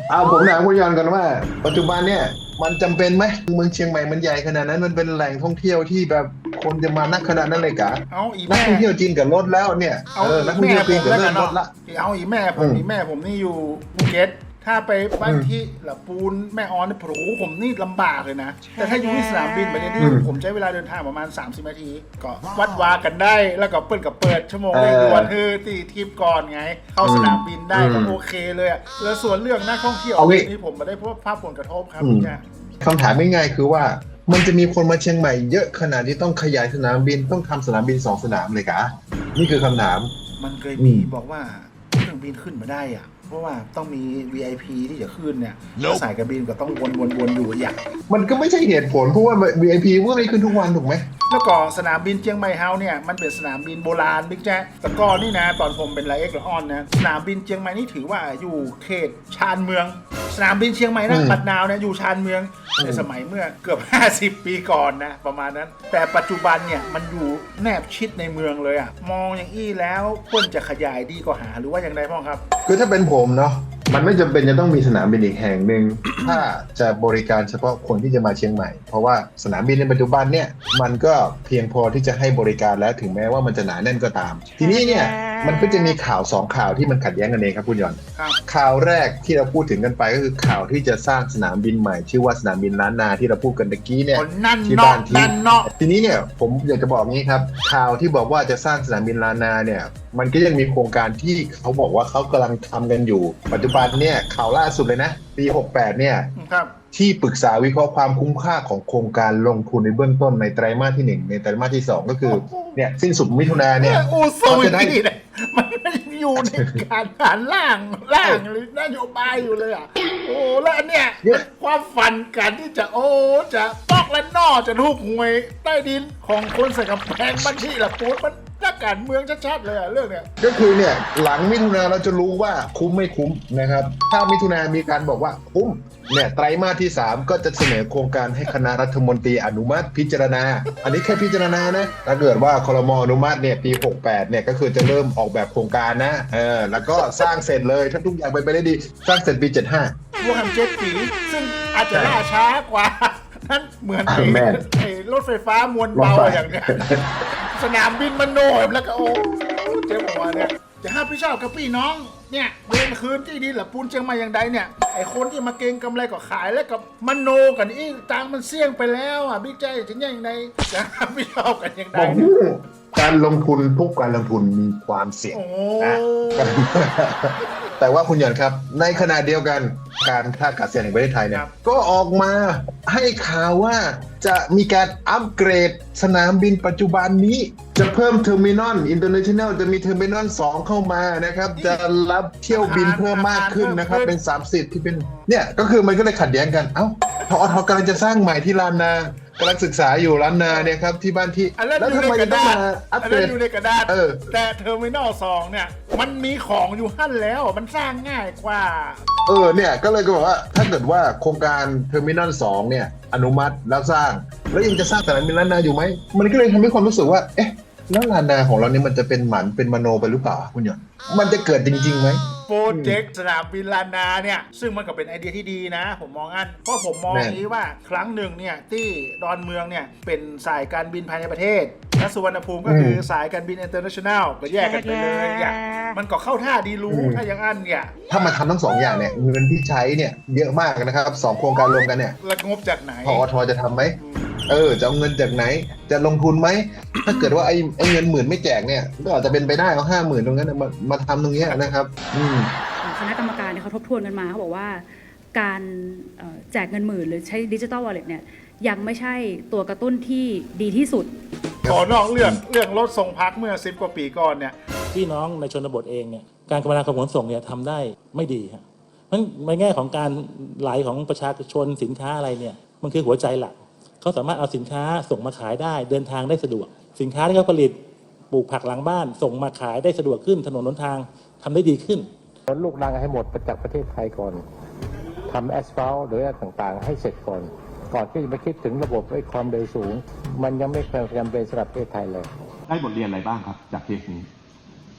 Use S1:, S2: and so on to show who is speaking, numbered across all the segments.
S1: เอาผมถามคุณยอนก่อนว่าปัจจุบันเนี่ยมันจำเป็นไหมเมืองเชียงใหม่มันใหญ่ขนาดนั้นมันเป็นแหล่งท่องเที่ยวที่แบบคนจะมานักขนาดนั้นเลยกะ
S2: เอาอี
S1: นัก
S2: แม่
S1: ท่องเที่ยวจีนกับรถแล้วเนี่ย
S2: เอาอี
S1: นักท่อง
S2: แม่
S1: เที่ยวจีนกับ
S2: ผมแล้ว
S1: เริ่
S2: กัน
S1: มลด
S2: เนาะ
S1: ละ
S2: เอาอีแม่ผมนี่แม่ผมนี่อยู่ภูเก็ตถ้าไปบ้านที่ละปูนแม่ออนนี่โอ้โหผมนี่ลำบากเลยนะ แต่ถ้าอยู่ที่สนามบินประเทศที่ผมใช้เวลาเดินทางประมาณ30นาทีก็วัดวากันได้แล้วก็เปิดชั่วโมงเร่งด่วนตีทิปก่อนไง เข้าสนามบินได้ก็โอเคเลยอะแล้วส่วนเรื่องนักท่องเที่ยวนี่ผมมาได้พบภาพผลกระทบครับพี่จ้า
S1: คำถามง่ายๆคือว่ามันจะมีคนมาเชียงใหม่เยอะขนาดที่ต้องขยายสนามบินต้องทำสนามบิน2 สนามเลยกะนี่คือคำถาม
S2: มันเคยมีบอกว่าเครื่องบินขึ้นมาได้อะเพราะว่าต้องมี VIP ที่จะขึ้นเนี่ยสายการบินก็ต้องวนอยู่อย่าง
S1: มันก็ไม่ใช่เหตุผลเพราะว่า VIP ก็ไม่ขึ้นทุกวันถูกไหม
S2: แล้วก็สนามบินเชียงใหม่เฮาเนี่ยมันเป็นสนามบินโบราณบิ๊กแจ๊คแต่ก่อนนี่นะตอนผมเป็นไลเอ็กซ์ละออนนะสนามบินเชียงใหม่นี่ถือว่าอยู่เขตชานเมืองสนามบินเชียงใหม่นะปัดนาวเนี่ยอยู่ชานเมืองในสมัยเมื่อเกือบ50 ปีก่อนนะประมาณนั้นแต่ปัจจุบันเนี่ยมันอยู่แนบชิดในเมืองเลยอะมองอย่างอี้แล้วควรจะขยายดีกว่าหาหรือว่าอย่างไรพ่อครับ
S1: คือถ้าเป็นผมเนาะมันไม่จำเป็นจะต้องมีสนามบินอีกแห่งหนึ่ง ถ้าจะบริการเฉพาะคนที่จะมาเชียงใหม่เพราะว่าสนามบินในปัจจุบันเนี่ยมันก็เพียงพอที่จะให้บริการแล้วถึงแม้ว่ามันจะหนาแน่นก็ตาม ทีนี้เนี่ยมันก็จะมีข่าว2ข่าวที่มันขัดแย้งกันเองครับคุณยอนข่าวแรกที่เราพูดถึงกันไปก็คือข่าวที่จะสร้างสนามบินใหม่ชื่อว่าสนามบินล้านนาที่เราพูดกันตะกี้เนี่ยที่บ้านทีนี้เนี่ยผมอยากจะบอกงี้ครับข่าวที่บอกว่าจะสร้างสนามบินล้านนาเนี่ยมันก็ยังมีโครงการที่เขาบอกว่าเขากำลังทำกันอยู่ปัจจุบันเนี่ยข่าวล่าสุดเลยนะปี68เนี่ยที่ปรึกษาวิเคราะห์ความคุ้มค่าของโครงการลงทุนในเบื้องต้นในไตรมาสที่1ในไตรมาสที่2ก็คือเนี่ยสิ้นสุดมิถุนายนเนี่ย
S2: เขาจะได้มันอยู่ในการผ่านล่างหรือนโยบายอยู่เลยอ่ะโอ้แล้วอันเนี้ยความฝันการที่จะจะตอกและนอจะถูกหวยใต้ดินของคนใส่กำแพงบัญชีละปูนมันนักการเมืองชัดๆเลยอ่ะเรื่องเนี้ย
S1: ก็คือเนี่ยหลังมิถุนาเราจะรู้ว่าคุ้มไม่คุ้มนะครับถ้ามิถุนามีการบอกว่าคุ้มเนี่ยไตรมาสที่3ก็จะเสนอโครงการให้คณะรัฐมนตรีอนุมัติพิจารณาอันนี้แค่พิจารณานะถ้าเกิดว่าครม.อนุมัติเนี่ยปี68เนี่ยก็คือจะเริ่มออกแบบโครงการนะแล้วก็สร้างเสร็จเลยถ้าทุกอย่างไปได้ดีสร้างเสร็จปี75
S2: รวม7 ปีซึ่งอาจจะล่าช้ากว่านั้นเหมือนไอ้รถไฟฟ้ามวลเบาอย่างเนี้ยสนามบินมันโนมแล้วก็เจ๊บอกว่าเนี่ยจะห้ามพี่ชอบกับพี่น้องเนี่ยเดินคืนที่ดินหรือปูนเชียงใหม่อย่างใดเนี่ยไอ้คนที่มาเก็งกำไรก็ขายแล้วกับมันโนกันอีตังมันเสี่ยงไปแล้วอ่ะบิ๊กใจถึงอย่างใดจะห้ามพี่ชอบกันอย่างใด
S1: การลงทุนทุกการลงทุนมีความเสี่ยงนะแต่ว่าคุณหยอนครับในขณะเดียวกันการท่าอากาศยานแห่งประเทศไทยเนี่ยก็ออกมาให้ข่าวว่าจะมีการอัปเกรดสนามบินปัจจุบันนี้จะเพิ่มเทอร์มินอลอินเตอร์เนชั่นแนลจะมีเทอร์มินอล2เข้ามานะครับจะรับเที่ยวบินเพิ่มมากขึ้นนะครับเป็น30ที่เป็นเนี่ยก็คือมันก็เลยขัดแย้งกันเอ้าทอทกำลังจะสร้างใหม่ที่ลานนากำลังศึกษาอยู่ล้านนาเนี่ยครับที่บ้านที่
S2: แล้วทำไมต้องมาอัปเกรดอยู่ในกระดาษแต่เทอร์มินอล2เนี่ยมันมีของอยู่หั่นแล้วมันสร้างง่ายกว่า
S1: เนี่ยก็เลยก็บอกว่าถ้าเกิดว่าโครงการเทอร์มินอล2เนี่ยอนุมัติแล้วสร้างแล้วยังจะสร้างสนามบินล้านนาอยู่ไหมมันก็เลยทำให้ความรู้สึกว่าเอ๊ะแล้วลานนาของเราเนี่ยมันจะเป็นหมันเป็นมโนไปหรือเปล่าคุณหยอนมันจะเกิดจริงๆไหม
S2: โปรเจกต์สนามบินลานนาเนี่ยซึ่งมันก็เป็นไอเดียที่ดีนะผมมองเพราะผมมองอย่างนี้ว่าครั้งหนึ่งเนี่ยที่ดอนเมืองเนี่ยเป็นสายการบินภายในประเทศและสุวรรณภูมิก็คือสายการบินอินเตอร์เนชั่นแนลก็แยกกันไปเลยอย่างมันก็เข้าท่าดีรู้ถ้าอย่างอันเนี่ย
S1: ถ้ามาทำทั้ง2อย่างเนี่ยเงินที่ใช้เนี่ยเยอะมากนะครับ2โครงการรวมกันเนี่ย
S2: แล้วงบจากไหน
S1: พอทจะทำไหมจะเอาเงินจากไหนจะลงทุนไหมถ้าเกิดว่าไอ้เงิน10,000ไม่แจกเนี่ยก็อาจจะเป็นไปได้เอา50,000ตรงนั้นมาทำตรงนี้นะครับ
S3: คณะกรรมการเนี่ยเขาทบทวนกันมาเขาบอกว่าการแจกเงิน10,000หรือใช้ดิจิทัลวอลเล็ตเนี่ยยังไม่ใช่ตัวกระตุ้นที่ดีที่สุด
S2: ขอนอกเรื่องรถส่งพักเมื่อ10 กว่าปีก่อนเนี่ย
S4: พี่น้องในชนบทเองเนี่ยการคมนาคมขนส่งเนี่ยทำได้ไม่ดีครับเพราะในแง่ของการไหลของประชาชนสินค้าอะไรเนี่ยมันคือหัวใจหลักเขาสามารถเอาสินค้าส่งมาขายได้เดินทางได้สะดวกสินค้าที่เขาผลิตปลูกผักหลังบ้านส่งมาขายได้สะดวกขึ้นถนนหนทางทำได้ดีขึ้น
S5: ลูกรังให้หมดจากประเทศไทยก่อนทำแอสฟัลต์หรืออะไรต่างๆให้เสร็จก่อนที่จะมาคิดถึงระบบความเร็วสูงมันยังไม่จำเป็นสำหรับประเทศไทยเลย
S6: ได้บทเรียนอะไรบ้างครับจากเคสนี้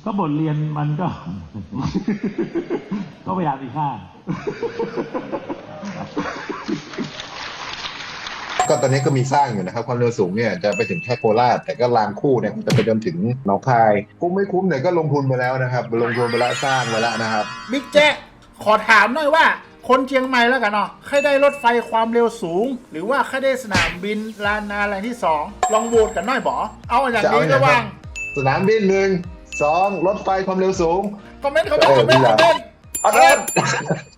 S6: ก็บทเรียนมันก็ ก็พยายามมีค่า
S1: ก็ตอนนี้ก็มีสร้างอยู่นะครับความเร็วสูงเนี่ยจะไปถึงแค่โคราชแต่ก็รางคู่เนี่ยจะไปจนถึงหนองคายคุ้มไม่คุ้มเนี่ยก็ลงทุนไปแล้วนะครับลงทุนไปแล้วสร้างไปแล้วนะครับ
S2: บิ๊กแจ๊ะขอถามหน่อยว่า คนเชียงใหม่แล้วกันเนาะใครได้รถไฟความเร็วสูง หรือว่าใครได้สนามบินลานนาแหล่งที่ 2 ลองโหวตกันหน่อยบอเอาอย่างนี้ระหว่าง
S1: สนามบิน1 2รถไฟความเร็วสูง
S2: คอมเมนต์
S1: เอาเถอะ